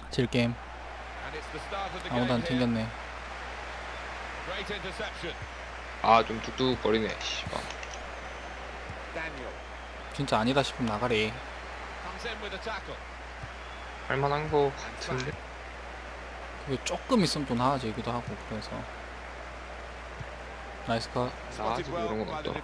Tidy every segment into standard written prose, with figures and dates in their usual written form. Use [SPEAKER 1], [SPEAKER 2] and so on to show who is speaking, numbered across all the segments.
[SPEAKER 1] 질게임. 아무도 안 튕겼네.
[SPEAKER 2] 아 좀 뚝뚝거리네. 씨발.
[SPEAKER 1] 진짜 아니다 싶으면 나가래.
[SPEAKER 2] 할만한 거 같은데.
[SPEAKER 1] 그게 조금 있으면 또 나아지기도 하고 그래서. 나이스 컷.
[SPEAKER 2] 나아지고 이런 건 없더라.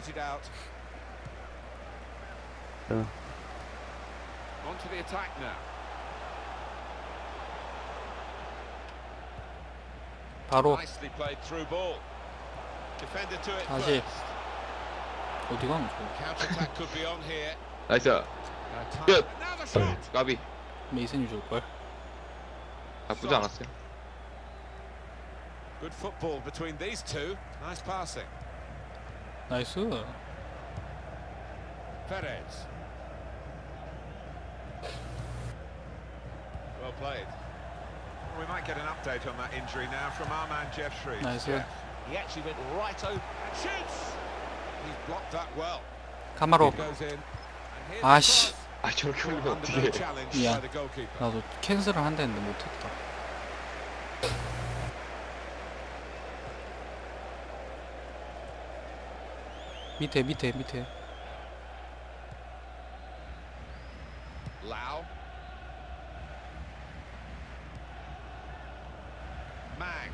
[SPEAKER 1] 바로 다시 어디 가면 좋아?
[SPEAKER 2] 나이스. 끝. 까비.
[SPEAKER 1] 메이슨이 줄걸?
[SPEAKER 2] 나쁘지 않았어요.
[SPEAKER 3] Good football between these two. Nice passing.
[SPEAKER 1] 나이스.
[SPEAKER 3] Perez. Well played. Well, we might get an update on that injury now from our man Jeff Shreves.
[SPEAKER 1] 나이스.
[SPEAKER 3] Jeff. He actually went right over and shoots. He's blocked that well.
[SPEAKER 1] 카마로.
[SPEAKER 3] Goes in. And here's
[SPEAKER 1] 아씨.
[SPEAKER 3] the
[SPEAKER 2] 아 저렇게
[SPEAKER 3] cross.
[SPEAKER 2] 올리면
[SPEAKER 3] Under no
[SPEAKER 2] 어떡해.
[SPEAKER 3] challenge
[SPEAKER 1] Yeah.
[SPEAKER 3] by the goalkeeper.
[SPEAKER 1] 나도 캔슬을 한다 했는데 못했다. 밑에.
[SPEAKER 3] Lau. Mang.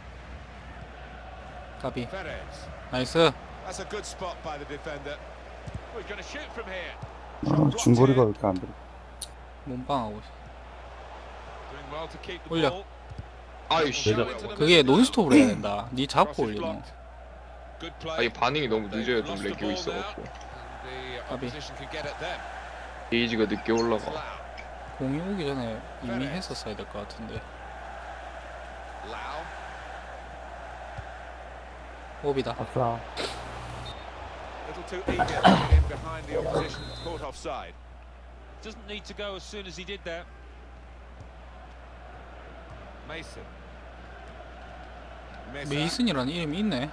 [SPEAKER 1] 까비.
[SPEAKER 3] Perez.
[SPEAKER 1] 나이스.
[SPEAKER 3] That's a good spot by the defender. Oh, he's going to shoot from here.
[SPEAKER 4] 아, 중거리가 왜 이렇게 안 들어?
[SPEAKER 1] 몸빵하고 있어.
[SPEAKER 3] Doing well to keep the
[SPEAKER 1] 올려.
[SPEAKER 3] ball.
[SPEAKER 2] 아이씨.
[SPEAKER 1] 그게 논스톱으로 해야 된다. 니 잡고 올리노.
[SPEAKER 3] Good
[SPEAKER 2] 아
[SPEAKER 3] play.
[SPEAKER 2] 이 반응이 너무 늦어요. 좀
[SPEAKER 3] Lost the
[SPEAKER 2] 렉이
[SPEAKER 3] ball
[SPEAKER 2] 있어갖고.
[SPEAKER 3] now. And the
[SPEAKER 1] 까비.
[SPEAKER 3] opposition can get at them.
[SPEAKER 2] 게이지가 늦게 올라가.
[SPEAKER 3] Lau.
[SPEAKER 1] 공이 오기 전에 이미 했었어야 될 것 같은데.
[SPEAKER 3] Lau.
[SPEAKER 1] 오비다.
[SPEAKER 4] 아싸.
[SPEAKER 3] Little too eager to get in behind the opposition. Caught offside.
[SPEAKER 5] Doesn't need to go as soon as he did that.
[SPEAKER 3] Mason.
[SPEAKER 1] 메이슨이라는 이름이 있네.
[SPEAKER 3] Well,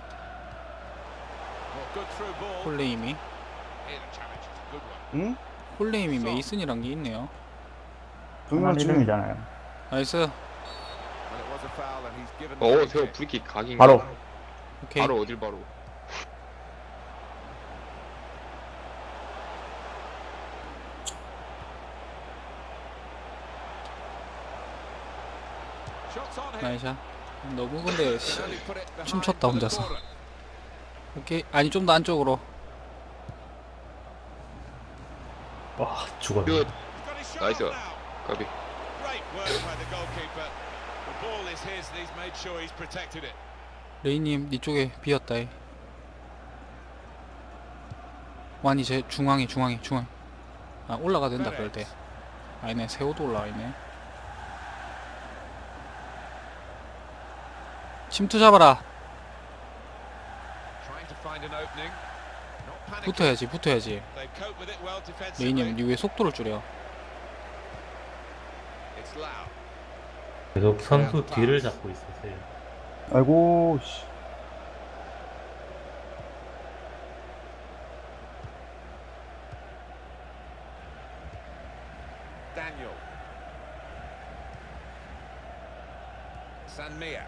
[SPEAKER 3] good through ball.
[SPEAKER 1] 콜레임이.
[SPEAKER 3] Here the challenge is a good one.
[SPEAKER 4] 응?
[SPEAKER 1] 콜레임이 메이슨이란 게 있네요.
[SPEAKER 4] 정말 이름이잖아요.
[SPEAKER 1] 나이스.
[SPEAKER 3] Well, it was a foul and he's given.
[SPEAKER 2] 어
[SPEAKER 3] the
[SPEAKER 2] 제가
[SPEAKER 3] free kick.
[SPEAKER 2] 브리킥 각인가?
[SPEAKER 4] 바로.
[SPEAKER 1] 오케이.
[SPEAKER 2] 바로 어딜 바로?
[SPEAKER 3] Shots on here.
[SPEAKER 1] 나이샤. 너무 근데 씨,
[SPEAKER 3] Only put it behind
[SPEAKER 1] 춤췄다
[SPEAKER 3] for the
[SPEAKER 1] 혼자서.
[SPEAKER 3] corner.
[SPEAKER 1] 오케이. 아니 좀 더 안쪽으로.
[SPEAKER 4] 와, 죽었네.
[SPEAKER 2] 끝.
[SPEAKER 3] He's got his shot
[SPEAKER 2] Nice
[SPEAKER 3] off
[SPEAKER 2] one.
[SPEAKER 3] now.
[SPEAKER 2] 까비.
[SPEAKER 3] Great work by the goalkeeper. The ball is his and he's made sure he's protected it.
[SPEAKER 1] 레이님 니 쪽에 비었다. 완이 제 중앙에. 아 올라가 된다 그럴 때. 아니네 세호도 올라와 있네. 침투 잡아라.
[SPEAKER 3] Trying to find an opening. Not panicking.
[SPEAKER 1] 붙어야지.
[SPEAKER 3] They cope with it well defensively.
[SPEAKER 1] 레이님 니 왜 속도를 줄여?
[SPEAKER 3] It's Lau.
[SPEAKER 6] 계속 선수 뒤를 잡고 있었어요.
[SPEAKER 4] 아이고, 씨.
[SPEAKER 3] Daniel. Sanmia.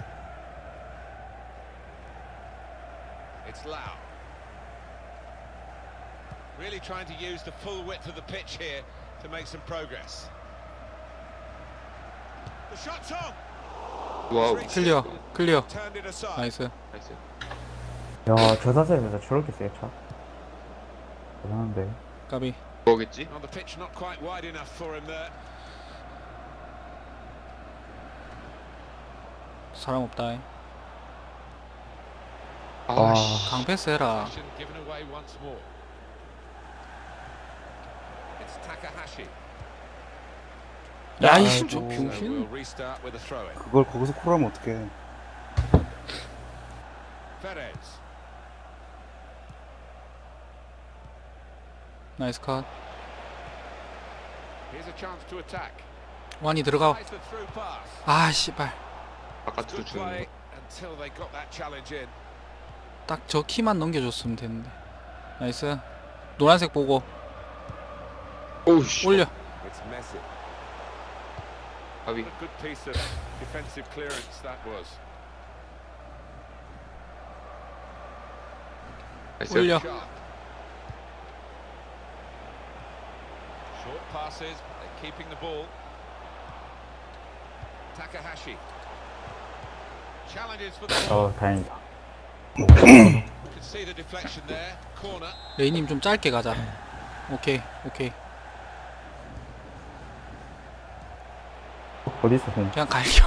[SPEAKER 3] It's Lau. Really trying to use the full width of the pitch here to make some progress. The shot's on.
[SPEAKER 2] 와우.
[SPEAKER 1] 클리어.
[SPEAKER 3] Turned it aside.
[SPEAKER 1] 나이스.
[SPEAKER 2] 나이스.
[SPEAKER 4] 야, 저 자세에서 저렇게 세, 차. 대단한데.
[SPEAKER 1] 까비.
[SPEAKER 2] 뭐겠지?
[SPEAKER 3] On the pitch, not quite wide enough for him there.
[SPEAKER 1] 사람 없다.
[SPEAKER 2] 아씨.
[SPEAKER 1] 강패스 해라.
[SPEAKER 3] Possession given away once more. It's Takahashi.
[SPEAKER 1] 야이씨 저
[SPEAKER 4] 아이고.
[SPEAKER 3] So we'll
[SPEAKER 1] 병신.
[SPEAKER 3] restart with a throw-in.
[SPEAKER 4] 그걸 거기서 콜하면 어떡해.
[SPEAKER 3] Perez.
[SPEAKER 1] 나이스 컷.
[SPEAKER 3] Here's a chance to attack.
[SPEAKER 1] 완이 들어가.
[SPEAKER 3] Tries the through pass.
[SPEAKER 1] 아 씨발.
[SPEAKER 2] 바깥으로
[SPEAKER 3] Good
[SPEAKER 2] 주는
[SPEAKER 3] play
[SPEAKER 2] 거.
[SPEAKER 3] until they got that challenge in.
[SPEAKER 1] 딱 저 키만 넘겨줬으면 됐는데. 나이스. 노란색 보고
[SPEAKER 2] 오우씨.
[SPEAKER 1] 올려.
[SPEAKER 3] It's Messi.
[SPEAKER 2] 까비.
[SPEAKER 3] What a good piece of defensive clearance that was.
[SPEAKER 2] 나이스.
[SPEAKER 1] 올려.
[SPEAKER 3] Sharp. Short passes, they're keeping the ball. Takahashi. Challenges for the ball.
[SPEAKER 4] 다행이다.
[SPEAKER 3] You can see the deflection there. Corner.
[SPEAKER 1] 레이님 좀 짧게 가자. 오케이 오케이.
[SPEAKER 4] 어디서 공?
[SPEAKER 1] 그냥 갈겨.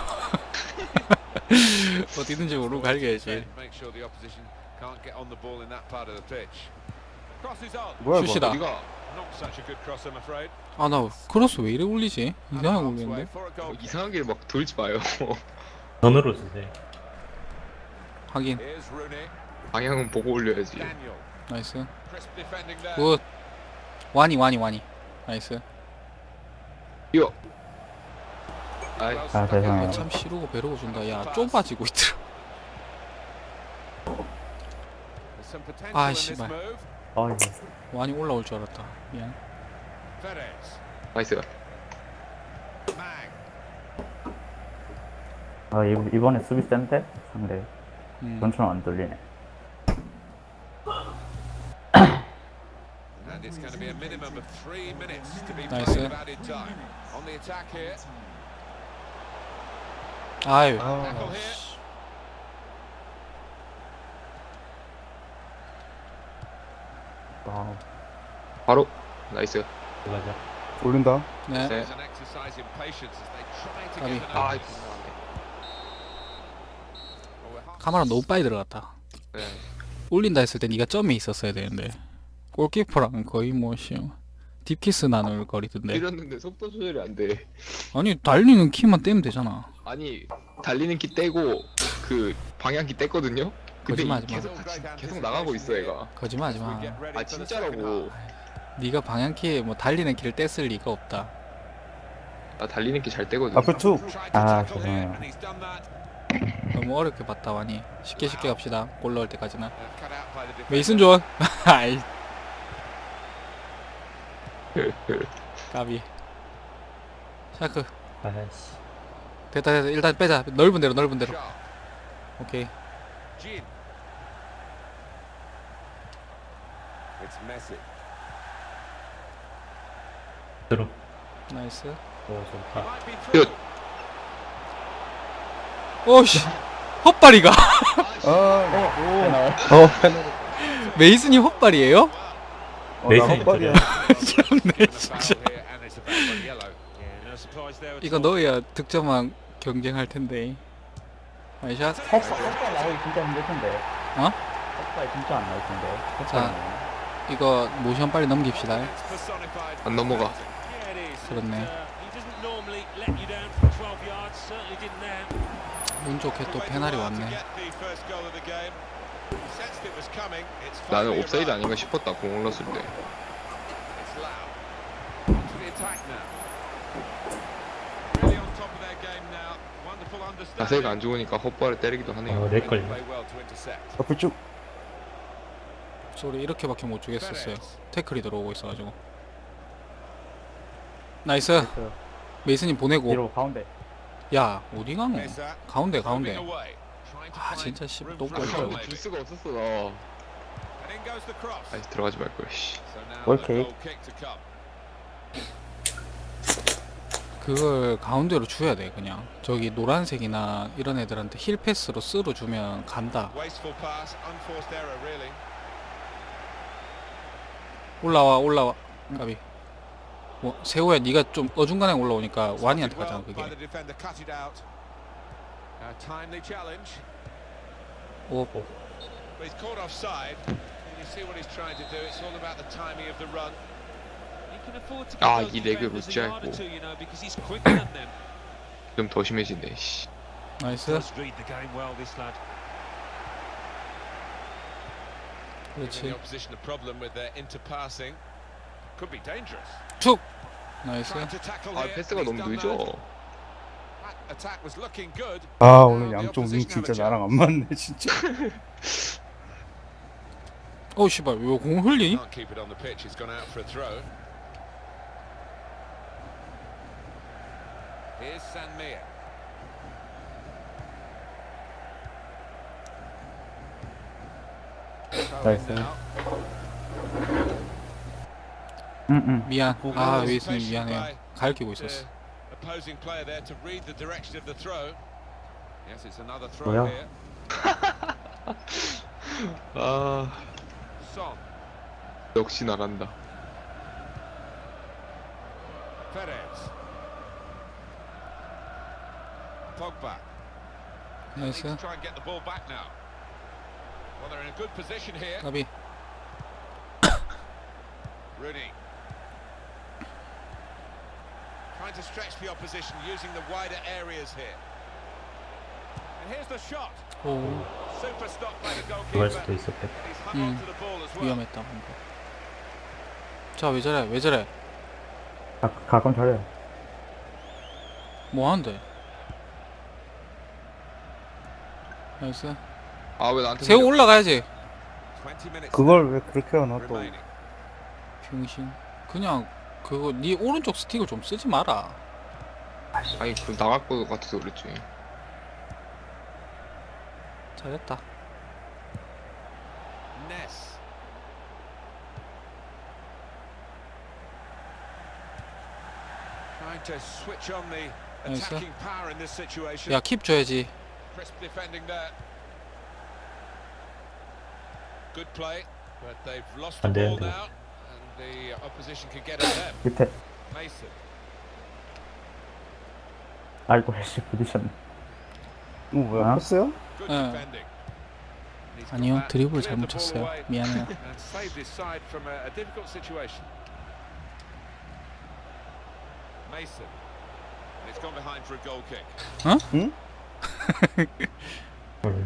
[SPEAKER 1] 어디든지 모르고 갈겨야지.
[SPEAKER 3] Make sure the opposition can't get on the ball in that part of the pitch. Crosses on.
[SPEAKER 4] 뭐야 이거?
[SPEAKER 1] 슛이다.
[SPEAKER 2] 어디가?
[SPEAKER 3] Not such a good cross, I'm afraid.
[SPEAKER 1] 아 나 크로스 왜 이래 올리지? 이상하게
[SPEAKER 3] Halfway
[SPEAKER 1] 올리는데?
[SPEAKER 3] for a goal.
[SPEAKER 2] 이상하게 막 돌지 마요.
[SPEAKER 6] 전으로 주세요.
[SPEAKER 1] 하긴
[SPEAKER 3] Here's Rooney.
[SPEAKER 2] 방향은 보고 올려야지.
[SPEAKER 3] Daniel.
[SPEAKER 1] 나이스.
[SPEAKER 3] Crisp defending there.
[SPEAKER 1] 굿. 와니. 나이스.
[SPEAKER 2] 뛰어. 아이,
[SPEAKER 3] Well
[SPEAKER 4] 아,
[SPEAKER 3] stuck in
[SPEAKER 4] 죄송해요.
[SPEAKER 3] there.
[SPEAKER 1] 참 시루고 배르고 준다. 야 좁아지고 있더라.
[SPEAKER 3] There's some potential
[SPEAKER 1] 아,
[SPEAKER 3] in this
[SPEAKER 1] 씨발.
[SPEAKER 3] move.
[SPEAKER 4] 아 이거.
[SPEAKER 1] 와니 올라올 줄 알았다. 미안.
[SPEAKER 3] Perez.
[SPEAKER 2] 나이스.
[SPEAKER 3] Mang.
[SPEAKER 4] 아 이번에 수비 센데 상대. 전처럼 안 돌리네.
[SPEAKER 3] And it's going to be a minimum of 3 minutes to be
[SPEAKER 1] Nice,
[SPEAKER 3] played
[SPEAKER 1] eh?
[SPEAKER 3] of added time. On the attack here.
[SPEAKER 1] 아유.
[SPEAKER 3] Tackle here.
[SPEAKER 4] 아
[SPEAKER 2] 바로. 나이스.
[SPEAKER 6] 맞아.
[SPEAKER 4] 올린다.
[SPEAKER 1] 네.
[SPEAKER 2] 네.
[SPEAKER 3] It's an exercise in patience as they try to
[SPEAKER 1] Gabi.
[SPEAKER 3] get an
[SPEAKER 2] 아,
[SPEAKER 3] opening. Well, we're half-
[SPEAKER 1] 카메라 너무 빨리 들어갔다.
[SPEAKER 2] 네.
[SPEAKER 1] 올린다 했을 때 네가 점에 있었어야 되는데. 골키퍼랑 거의 뭐 딥키스 나눌 거리던데.
[SPEAKER 2] 때렸는데 속도 조절이 안 돼.
[SPEAKER 1] 아니 달리는 키만 떼면 되잖아.
[SPEAKER 2] 아니 달리는 키 떼고 그 방향키 뗐거든요. 근데
[SPEAKER 1] 거짓말하지 마.
[SPEAKER 2] 계속 나가고 있어 얘가.
[SPEAKER 1] 거짓말하지 마.
[SPEAKER 3] Get ready
[SPEAKER 2] 아
[SPEAKER 3] for the second
[SPEAKER 2] 진짜라고.
[SPEAKER 3] half.
[SPEAKER 1] 네가 방향키에 뭐 달리는 키를 뗐을 리가 없다.
[SPEAKER 2] 나 달리는 키 잘 떼거든.
[SPEAKER 4] 앞에 툭.
[SPEAKER 3] Tried to
[SPEAKER 4] 아
[SPEAKER 3] tackle here,
[SPEAKER 4] 죄송해요.
[SPEAKER 3] and he's done that.
[SPEAKER 1] 너무 어렵게 봤다 와니. 쉽게 갑시다. 골 넣을 때까지는.
[SPEAKER 3] Cut out by the defender.
[SPEAKER 1] 메이슨 존. 아이. 까비. 샤크.
[SPEAKER 6] 아이씨.
[SPEAKER 1] 됐다. 일단 빼자. 넓은 데로.
[SPEAKER 3] Sharp.
[SPEAKER 1] 오케이.
[SPEAKER 3] Gin. It's Messi.
[SPEAKER 6] 들어.
[SPEAKER 1] 나이스.
[SPEAKER 6] 오 좋다.
[SPEAKER 3] Might be through.
[SPEAKER 1] 오씨. 헛발이가. 메이슨이 헛발이에요?
[SPEAKER 6] 메이슨이
[SPEAKER 4] 나 헛발이야.
[SPEAKER 1] 참네
[SPEAKER 3] And a
[SPEAKER 1] 진짜.
[SPEAKER 3] foul here, and it's a back on yellow.
[SPEAKER 5] Yeah, no surprise there at
[SPEAKER 1] 이거
[SPEAKER 5] all.
[SPEAKER 1] 넣어야 득점왕 경쟁할 텐데. 나이샷.
[SPEAKER 4] 헛발 나오기 진짜 힘들 텐데.
[SPEAKER 1] 어?
[SPEAKER 4] 헛발 진짜 안 나올 텐데.
[SPEAKER 1] 자. 이거 모션 빨리 넘깁시다.
[SPEAKER 3] It's personified.
[SPEAKER 2] 안 넘어가.
[SPEAKER 5] Yeah, it is.
[SPEAKER 1] 그렇네.
[SPEAKER 5] He doesn't normally let you down from 12 yards. Certainly didn't there.
[SPEAKER 1] 운 좋게 또 페널이 왔네.
[SPEAKER 2] 나는 옵사이드 아닌가 싶었다 공 올랐을 때. 자세가 안 좋으니까 헛발을 때리기도 하네요.
[SPEAKER 6] 내 걸려.
[SPEAKER 4] 앞에 쭉.
[SPEAKER 1] 소리 이렇게밖에 못 주겠었어요. 태클이 들어오고 있어가지고. 나이스. 메이슨님 보내고.
[SPEAKER 4] 뒤로 가운데.
[SPEAKER 1] 야 어디 가노? 가운데. 아 진짜 씨 또
[SPEAKER 2] 아,
[SPEAKER 1] 꼴찌.
[SPEAKER 2] 줄 수가 없었어 나. 아이 들어가지 말 걸. 씨.
[SPEAKER 4] 오케이.
[SPEAKER 1] 그걸 가운데로 줘야 돼 그냥. 저기 노란색이나 이런 애들한테 힐 패스로 쓸어 주면 간다. 올라와. 까비. 뭐 세호야 네가 좀 어중간하게 올라오니까 와니한테 가잖아 그게. 오.
[SPEAKER 3] But he's caught offside. And you see what he's trying to do. It's all about the timing of the run.
[SPEAKER 5] He can afford to
[SPEAKER 2] 아,
[SPEAKER 5] give those
[SPEAKER 2] 이 레그
[SPEAKER 5] defenders a
[SPEAKER 2] 루치아
[SPEAKER 5] yard or
[SPEAKER 2] 있고.
[SPEAKER 5] two, you know, because he's quicker than them.
[SPEAKER 2] 좀 더 심해지네. 씨.
[SPEAKER 1] 나이스.
[SPEAKER 5] Does read the game well, this lad.
[SPEAKER 3] Giving
[SPEAKER 1] 그렇지.
[SPEAKER 3] the opposition a problem with their interpassing. Could be dangerous.
[SPEAKER 1] 툭. 나이스.
[SPEAKER 3] Trying to tackle
[SPEAKER 2] 아
[SPEAKER 3] here.
[SPEAKER 2] 패스가
[SPEAKER 3] He's
[SPEAKER 2] 너무
[SPEAKER 3] done
[SPEAKER 2] 늦어.
[SPEAKER 3] that. That attack was looking good.
[SPEAKER 4] 아 오늘
[SPEAKER 3] Now the
[SPEAKER 4] 양쪽 윙
[SPEAKER 3] opposition
[SPEAKER 4] 진짜
[SPEAKER 3] have a
[SPEAKER 4] 나랑 안 맞네 진짜.
[SPEAKER 1] 어 씨발 왜 공 흘리?
[SPEAKER 3] Can't keep it on the pitch. He's gone out for a throw. Here's Sanmia.
[SPEAKER 4] 나이스.
[SPEAKER 3] Now,
[SPEAKER 1] 미안. 아 웨이스님
[SPEAKER 3] Patient
[SPEAKER 1] 미안해요.
[SPEAKER 3] by
[SPEAKER 1] 가리키고
[SPEAKER 3] the
[SPEAKER 1] 있었어.
[SPEAKER 3] opposing player there to read the direction of the throw. Yes, it's another throw
[SPEAKER 4] 뭐야?
[SPEAKER 3] here.
[SPEAKER 2] 아
[SPEAKER 3] Son,
[SPEAKER 2] 역시 나란다.
[SPEAKER 3] Perez. Pogba. Need
[SPEAKER 1] 나이스.
[SPEAKER 3] to try and get the ball back now. Well, they're in a good position here.
[SPEAKER 1] 까비.
[SPEAKER 3] Rooney. Trying to stretch the opposition using the wider areas here. And here's the shot.
[SPEAKER 1] 오
[SPEAKER 3] Super stop by the
[SPEAKER 6] 들어갈
[SPEAKER 3] goalkeeper.
[SPEAKER 6] 수도 있었겠다.
[SPEAKER 3] He's hung on to the ball as well.
[SPEAKER 1] 위험했다 방금. 자왜 저래 왜 저래?
[SPEAKER 4] 가끔 저래.
[SPEAKER 1] 뭐 하는데? 나이스.
[SPEAKER 2] 아 왜 나한테
[SPEAKER 1] 세우 올라가야지.
[SPEAKER 3] 20 minutes
[SPEAKER 7] 그걸 왜 그렇게 하나 또.
[SPEAKER 3] remaining.
[SPEAKER 1] 병신. 그냥 그거 네 오른쪽 스틱을 좀 쓰지 마라.
[SPEAKER 2] 아니 그 나갈 거 같아서 그랬지.
[SPEAKER 1] 잘했다.
[SPEAKER 3] Ness. Trying to switch on the
[SPEAKER 1] Nice, sir.
[SPEAKER 3] attacking power in this situation.
[SPEAKER 1] 야 킵 줘야지.
[SPEAKER 3] Crisp defending there. Good play, but they've lost the
[SPEAKER 6] 안
[SPEAKER 3] ball
[SPEAKER 6] 되는데.
[SPEAKER 3] now, and the opposition can get at them.
[SPEAKER 4] 밑에
[SPEAKER 3] Mason.
[SPEAKER 4] 알도 해시 부딪혔네.
[SPEAKER 7] 뭐야?
[SPEAKER 4] 어?
[SPEAKER 7] 컸어요?
[SPEAKER 3] Good
[SPEAKER 1] 예.
[SPEAKER 3] defending. He's got
[SPEAKER 1] 아니요
[SPEAKER 3] that,
[SPEAKER 1] 드리블
[SPEAKER 3] cleared
[SPEAKER 1] 잘못
[SPEAKER 3] the ball
[SPEAKER 1] 쳤어요.
[SPEAKER 3] away
[SPEAKER 1] 미안해요.
[SPEAKER 3] and saved his side from a difficult situation. Mason. And it's gone behind for a goal kick.
[SPEAKER 6] 헐.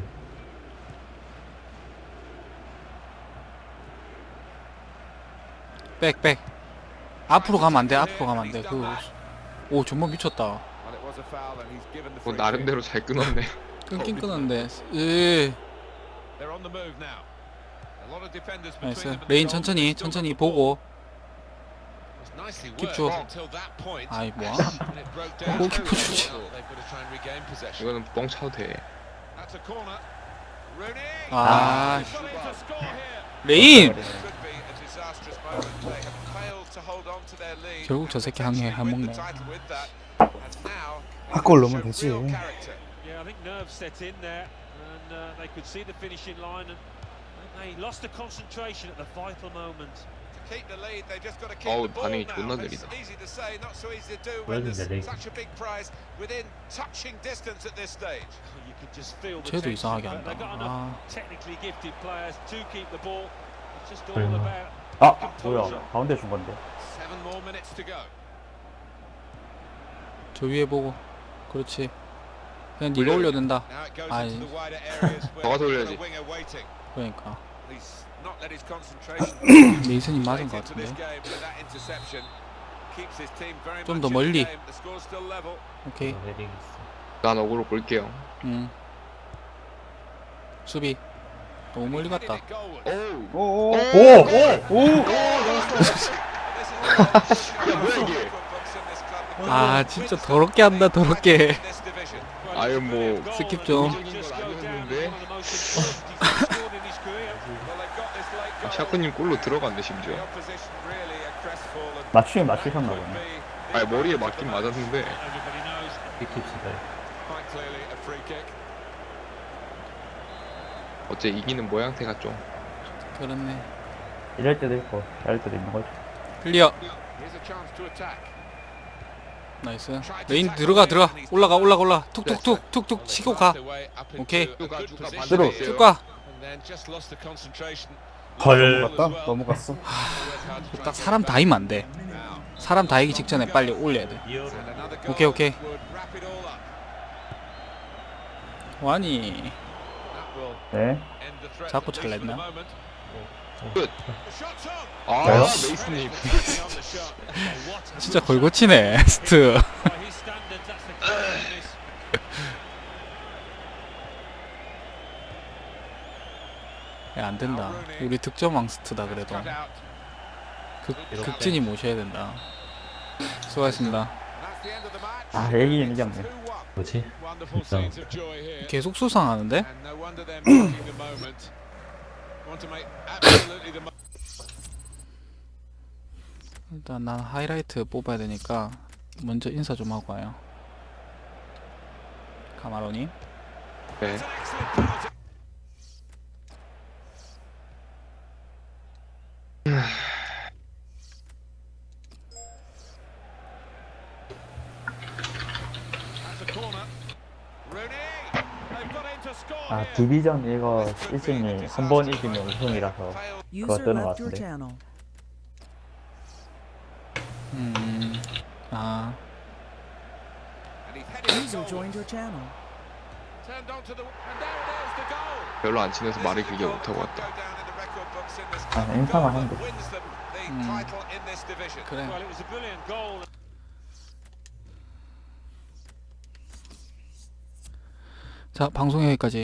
[SPEAKER 1] 백. 앞으로 가면 안 돼. 앞으로 가면 안 돼. 오 정말 미쳤다.
[SPEAKER 3] Well, it was a foul, and he's given the
[SPEAKER 2] 뭐
[SPEAKER 3] free kick.
[SPEAKER 2] 나름대로 잘 끊었네.
[SPEAKER 1] 끊긴 끊었는데.
[SPEAKER 3] They're on the move now. A lot of defenders between
[SPEAKER 1] 나이스.
[SPEAKER 3] them and the
[SPEAKER 1] 레인
[SPEAKER 3] goal, but
[SPEAKER 1] 천천히
[SPEAKER 3] they've still
[SPEAKER 1] 천천히
[SPEAKER 3] got the ball.
[SPEAKER 1] 보고.
[SPEAKER 3] It was nicely
[SPEAKER 1] 킵
[SPEAKER 3] worked
[SPEAKER 1] 줘.
[SPEAKER 3] until that point.
[SPEAKER 1] 아이 뭐야?
[SPEAKER 3] When it broke down.
[SPEAKER 1] 골키퍼 주지.
[SPEAKER 3] Well, they've got to try and regain possession.
[SPEAKER 2] 이거는 뻥 차도 돼.
[SPEAKER 3] That's a corner. Rooney.
[SPEAKER 1] 아
[SPEAKER 3] He's got in to score here.
[SPEAKER 1] 레인.
[SPEAKER 3] Could be a disastrous moment. They have failed to hold on to their lead.
[SPEAKER 1] 결국 저 새끼 항해 안
[SPEAKER 3] Win the
[SPEAKER 1] 먹네.
[SPEAKER 3] title with that. And now
[SPEAKER 7] 바꿔 올려면
[SPEAKER 3] showed
[SPEAKER 7] 되지.
[SPEAKER 3] real character.
[SPEAKER 5] Yeah, I think nerves set in there, and they could see the finishing line, and they lost the concentration at the vital moment.
[SPEAKER 3] To keep the lead, they just got to keep
[SPEAKER 2] 어우,
[SPEAKER 3] the ball
[SPEAKER 2] 반응이
[SPEAKER 3] now.
[SPEAKER 2] 존나
[SPEAKER 3] It's
[SPEAKER 2] 느리다.
[SPEAKER 3] easy to say, not so easy to do when
[SPEAKER 6] 왜인데,
[SPEAKER 3] there's
[SPEAKER 6] 레이?
[SPEAKER 3] such a big prize within touching distance at this stage.
[SPEAKER 5] You could just feel the
[SPEAKER 1] 쟤도
[SPEAKER 5] tension,
[SPEAKER 1] 이상하게
[SPEAKER 5] but they've got
[SPEAKER 1] 한다.
[SPEAKER 5] enough
[SPEAKER 1] 아
[SPEAKER 5] technically gifted players to keep the ball. It's just all
[SPEAKER 6] 얼마?
[SPEAKER 5] about
[SPEAKER 4] 아 뭐야? 가운데 준 건데.
[SPEAKER 3] 7 more minutes to go.
[SPEAKER 1] 저 위에 보고. 그렇지. 그냥 네가 올려야 된다.
[SPEAKER 3] Now it goes
[SPEAKER 1] 아이.
[SPEAKER 3] into the wider areas where
[SPEAKER 2] 저거
[SPEAKER 3] they've got
[SPEAKER 2] 돌려야지.
[SPEAKER 3] a winger waiting.
[SPEAKER 1] 그러니까
[SPEAKER 3] He's not let his concentration
[SPEAKER 1] 메이슨이 맞은
[SPEAKER 3] straight
[SPEAKER 1] 것
[SPEAKER 3] into this
[SPEAKER 1] 같은데.
[SPEAKER 3] game with that interception. Keeps his team very
[SPEAKER 1] 좀
[SPEAKER 3] much
[SPEAKER 1] 더
[SPEAKER 3] in
[SPEAKER 1] 멀리.
[SPEAKER 3] the game. The score's still level.
[SPEAKER 1] 오케이.
[SPEAKER 6] 헤딩 있어.
[SPEAKER 2] 난 어그로 볼게요.
[SPEAKER 1] 수비. 너무 멀리
[SPEAKER 3] Headed
[SPEAKER 1] 갔다.
[SPEAKER 3] it goalwards.
[SPEAKER 2] 오우.
[SPEAKER 7] 오.
[SPEAKER 2] 야 뭐야 이게?
[SPEAKER 1] 아 진짜 더럽게 한다 더럽게.
[SPEAKER 2] 아유 뭐
[SPEAKER 1] 스킵 좀.
[SPEAKER 2] 샤크님 골로 들어갔네 심지어.
[SPEAKER 4] 맞추긴 맞추셨나 보네.
[SPEAKER 2] 아니 머리에 맞긴 맞았는데
[SPEAKER 5] everybody knows.
[SPEAKER 6] 삐킵시다.
[SPEAKER 2] 어째 이기는 모양새가 좀.
[SPEAKER 1] 그렇네.
[SPEAKER 4] 이럴 때도 있고 이럴 때도 있는 거지.
[SPEAKER 1] 클리어. 나이스. 레인 들어가 올라가 툭툭툭 치고 가. 오케이.
[SPEAKER 4] 들어.
[SPEAKER 1] 쭉 가.
[SPEAKER 6] 헐.
[SPEAKER 7] 넘어갔다? 넘어갔어.
[SPEAKER 1] 딱 사람 다이면 안 돼. 사람 다이기 직전에 빨리 올려야 돼. 오케이. 와니
[SPEAKER 4] 네.
[SPEAKER 1] 자꾸 잘냈나?
[SPEAKER 2] 아
[SPEAKER 4] 왜요?
[SPEAKER 2] 메이슨님.
[SPEAKER 1] 진짜 걸고치네 스트.
[SPEAKER 5] By his standards, that's the key in this.
[SPEAKER 1] 야, 안 된다. 우리 득점왕 스트다 그래도. 극진이 모셔야 된다. 수고하셨습니다.
[SPEAKER 3] the end of the match.
[SPEAKER 4] 아, 얘기는 이겼네.
[SPEAKER 3] 2-1.
[SPEAKER 6] 뭐지?
[SPEAKER 3] Wonderful
[SPEAKER 6] 진짜.
[SPEAKER 3] scenes of joy here.
[SPEAKER 1] 계속 수상하는데?
[SPEAKER 3] And no wonder they're making the moment. Want to make absolutely the most.
[SPEAKER 1] 일단 난 하이라이트 뽑아야 되니까 먼저 인사 좀 하고 와요. 카마로님.
[SPEAKER 2] 네.
[SPEAKER 3] It's an excellent penalty. That's a corner. Rooney. They've got in to score
[SPEAKER 4] 아,
[SPEAKER 3] here.
[SPEAKER 4] 디비전 이거 시즌이 한 번 이기면 우승이라서
[SPEAKER 8] User
[SPEAKER 4] 뜨는 것
[SPEAKER 8] left your
[SPEAKER 4] 같은데.
[SPEAKER 8] channel.
[SPEAKER 1] 아,
[SPEAKER 3] And he's heading
[SPEAKER 8] User
[SPEAKER 3] it
[SPEAKER 8] joined your channel.
[SPEAKER 3] Turned onto the and there it is, the goal.
[SPEAKER 2] 별로 안 친해서 말을
[SPEAKER 3] This is
[SPEAKER 2] 길게
[SPEAKER 3] the goal
[SPEAKER 2] 못하고
[SPEAKER 3] that
[SPEAKER 2] 왔다.
[SPEAKER 3] won't go down in the record books in this
[SPEAKER 4] 아,
[SPEAKER 3] club.
[SPEAKER 4] 인사만
[SPEAKER 3] Goal
[SPEAKER 4] 하면
[SPEAKER 3] that
[SPEAKER 4] 돼.
[SPEAKER 3] wins them the title in this division.
[SPEAKER 1] 그래.
[SPEAKER 5] Well, it was a brilliant goal.
[SPEAKER 1] 자, 방송 여기까지.